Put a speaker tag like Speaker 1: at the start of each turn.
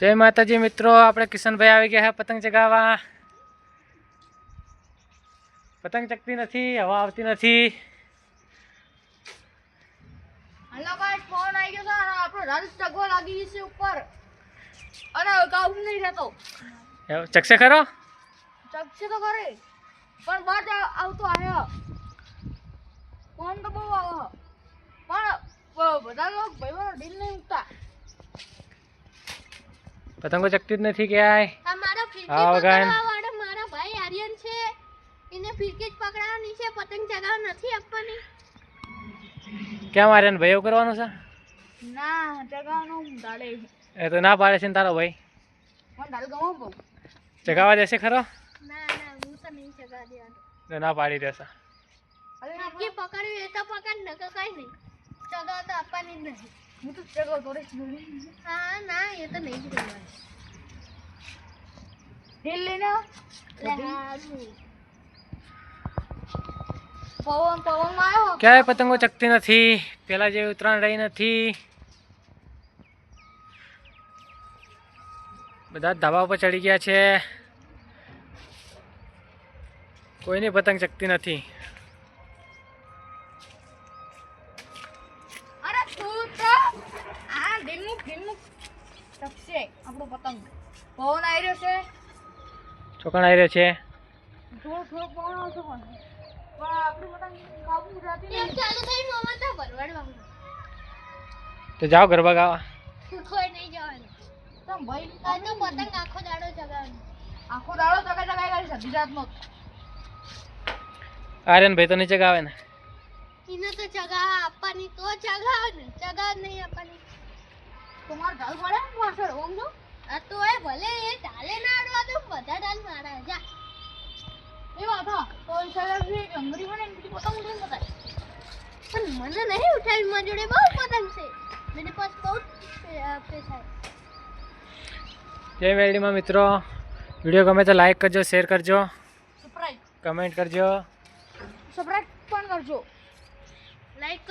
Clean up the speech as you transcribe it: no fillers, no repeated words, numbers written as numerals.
Speaker 1: जय माताजी मित्रों, આપણે કિશનભાઈ આવી ગયા છે પતંગ ચગાવવા। પતંગ ચગતી નથી, હવા આવતી નથી।
Speaker 2: हेलो गाइस, फोन आई गयो था આપણો રાજ ચગવા લાગી છે ઉપર અને કાબુ નહીં રહેતો।
Speaker 1: ચગશે ખરો?
Speaker 2: ચગશે તો કરે પણ બાદ આવતો આયો ફોન તો બહુ આવો પણ બધા લોકો ભાઈઓ ડીલ નહીં ઉઠતા।
Speaker 1: પતંગો ચગતી જ નથી ક્યાંય।
Speaker 3: આ મારો ફિરકી
Speaker 1: હા, વગાન।
Speaker 3: પકડવા વાળો મારો ભાઈ આર્યન છે, એને ફિરકી જ પકડવાની છે, પતંગ ચગાવ નથી આપવાની।
Speaker 1: ક્યાં મારે ભાઈ એવું કરવાનું છે?
Speaker 2: ના ચગાવનો ડાલે
Speaker 1: એ તો ના પાડે છે ને તારો ભાઈ।
Speaker 2: પણ ડાલ ગમો બહુ
Speaker 1: ચગાવવા દેશે ખરો?
Speaker 3: ના ના, હું તો નહીં ચગાવ દેવાનું।
Speaker 1: તો ના પાડી દેશે।
Speaker 3: ફિરકી પકડવી એ તો પકડ, ન તો કઈ નહીં, ચગાવ તો આપવાની જ નહીં।
Speaker 2: હું તો ચગાવ થોડે
Speaker 3: હા ના, એ તો નહીં જ કરવાનું।
Speaker 2: ડીલ લઈને
Speaker 3: લે હારું।
Speaker 2: પવન પવન આવ્યો
Speaker 1: ક્યાંય પતંગો ચગતી નથી, પેલા જેવી ઉત્તરાયણ રહી નથી। બધા ધાબા ઉપર ચડી ગયા છે, કોઈની પતંગ ચગતી નથી।
Speaker 2: અરે તું તો આ ઢીલમુક ચકશે આપણો પતંગ। પવન આવી રહ્યો છે,
Speaker 1: ચોકણ આવી રહ્યો છે।
Speaker 2: થોડો પવન આવતો પણ આપણું પતંગ કાબુ રહેતી
Speaker 3: એમ
Speaker 2: નહીં।
Speaker 3: ચાલુ થઈ મોમાં તો ભરવાડવાનું,
Speaker 1: તો જાઓ ગરબા ગાવા।
Speaker 3: કોઈ નહીં જવાનું।
Speaker 2: તમ ભાઈ
Speaker 3: આ તો પતંગ આખો દાડો ચગાવવાનો।
Speaker 2: આખો દાડો ચગાઈ કરી છે ગુજરાતમાં।
Speaker 1: આર્યન ભાઈ તો નીચે ગાવે ને।
Speaker 3: એને તો ચગાવ આપવાની તો ચગાવ ને, ચગાવ નહીં આપવાની
Speaker 2: તમારે ઢાલ પડે ને પાછળ ઓમ જો
Speaker 3: આ તો એ ભલે એ ડાલે ના આડવા તો બધા ડાલ મારા જા।
Speaker 2: એ વાત હા તો એ સરસ છે કે અંગરી બને ને બીજી પતંગ ઉડીને બતાય।
Speaker 3: પણ મને નહીં ઉઠાવી, મારી જોડે બહુ પતંગ છે, મેરે પાસ બહુ પૈસા है।
Speaker 1: જય મેરડીમાં મિત્રો, વિડીયો ગમે તો લાઈક કરજો, શેર કરજો,
Speaker 2: સબસ્ક્રાઇબ
Speaker 1: કમેન્ટ કરજો।
Speaker 2: પણ કરજો।
Speaker 3: લાઈક